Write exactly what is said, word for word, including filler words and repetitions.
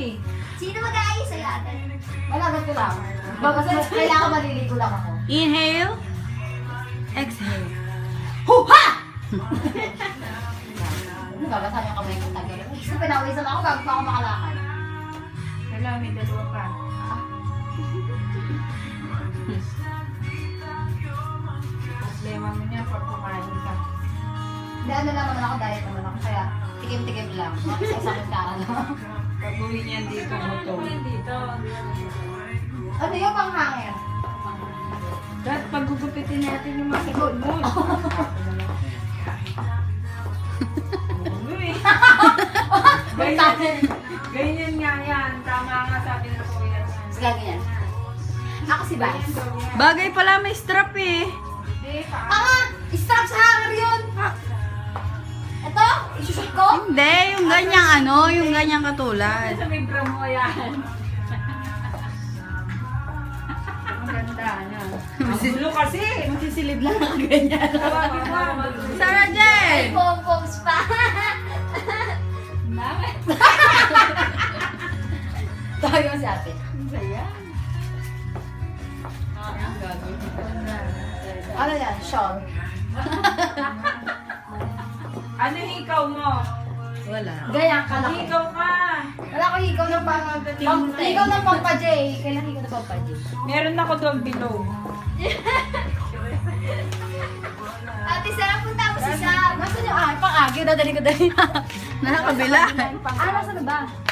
eh. Sino mag-aayos sa'yo ate? Malagat ko lang. Kasi kailangan maliligo lang ako. Inhale. Exhale. Huha! Ano ba? Basta yung kamay ko tagal. Gusto pinawisan ako, bago pa ako makalakad. Kailangan may dalawa pa. Problema mo niya pag kumain ka. Hindi, ano lang naman ako, diet naman ako. Kaya tikim-tikim lang. Isa-isang kara lang. Pag uwi niyan dito mo to. Dito. Ano yung panghangin? Dahil paggugupitin natin yung mga sikod mo. Uy! Ganyan, ganyan nga yan. Tama nga sabi ng kuya. Sige, ganyan. Ako si Vice. Bagay pala may strap eh. Hindi pa. Tama! Strap sa hanger yun! Ito? Isushoot ko? Hindi, yung ganyang ano, yung ganyang katulad. Sa may bra mo yan. Ang ganda na. Ang gulo kasi. Masisilid lang ang ganyan. Tawagin mo. Sarah Jen! Pom-poms pa! Bakit? Tawagin mo si ate. Ang saya. Ah, ang gagawin ko na. Ano yan? Sean. Ano hikaw mo? Wala. Ganyan kalaki. Hikaw ka. Wala ko higaw ng pang... pang higaw ng pang pa-J. Kailan higaw ng pang pa-J? Meron ako doon below. Ate, sarap punta mo si Sam. Nasaan yung ah, pang-agyo? Dadali ko dali. Nakakabila. Ah, nasaan na ba?